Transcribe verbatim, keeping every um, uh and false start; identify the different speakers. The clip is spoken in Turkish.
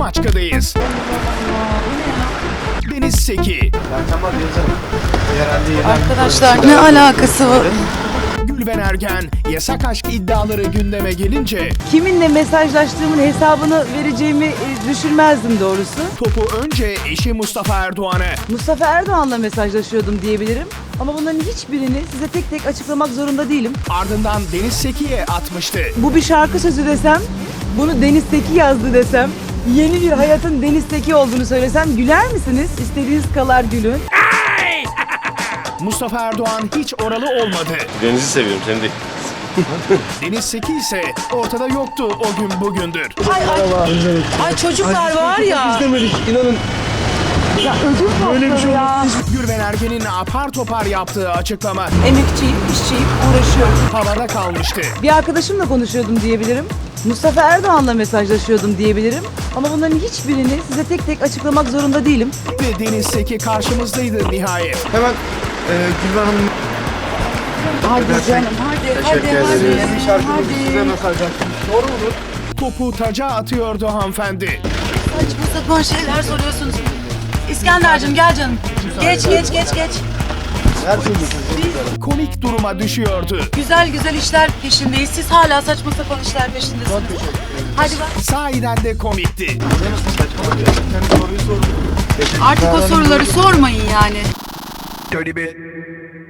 Speaker 1: Maçka'dayız. Deniz Seki,
Speaker 2: Arkadaşlar ne alakası var?
Speaker 1: Gülben Ergen yasak aşk iddiaları gündeme gelince
Speaker 2: Kiminle mesajlaştığımın hesabını vereceğimi e, düşünmezdim doğrusu.
Speaker 1: topu önce eşi Mustafa Erdoğan'a,
Speaker 2: Mustafa Erdoğan'la mesajlaşıyordum diyebilirim. Ama bunların hiçbirini size tek tek açıklamak zorunda değilim.
Speaker 1: ardından Deniz Seki'ye atmıştı.
Speaker 2: Bu bir şarkı sözü desem, bunu Deniz Seki yazdı desem, yeni bir hayatın Deniz Seki olduğunu söylesem güler misiniz? İstediğiniz kadar gülün.
Speaker 1: Mustafa Erdoğan hiç oralı olmadı.
Speaker 3: Deniz'i seviyorum, seni değil.
Speaker 1: Deniz Seki ise ortada yoktu o gün bugündür.
Speaker 2: Ay ay. Ay çocuklar var ya.
Speaker 4: İzlemedik, inanın.
Speaker 2: Ya ödül
Speaker 4: Böyle bir şey
Speaker 2: ya.
Speaker 1: Gülben Ergen'in apar topar yaptığı açıklama
Speaker 2: Emekçiyim, işçiyim, uğraşıyorum.
Speaker 1: havada kalmıştı.
Speaker 2: Bir arkadaşımla konuşuyordum diyebilirim. Mustafa Erdoğan'la mesajlaşıyordum diyebilirim. Ama bunların hiçbirini size tek tek açıklamak zorunda değilim.
Speaker 1: Ve Deniz Seki karşımızdaydı nihayet.
Speaker 4: Hemen e, Gülben Hanım
Speaker 2: Hadi canım, hadi, hadi, hadi.
Speaker 4: yeni şarkımızı size mesaj attım. Doğru mudur?
Speaker 1: Topu taca atıyordu hanımefendi.
Speaker 5: Saçma sapan şeyler soruyorsunuz. İskender'cim gel canım. Geç geç geç geç.
Speaker 4: Her şey düşünüyorsunuz.
Speaker 1: Komik duruma düşüyordu.
Speaker 5: Güzel güzel işler peşindeyiz. Siz hala saçma sapan işler peşindesiniz. Hadi bak.
Speaker 1: Sahiden de komikti.
Speaker 4: Kendi soruyu sordum.
Speaker 5: Artık o soruları sormayın yani.
Speaker 1: Şöyle bir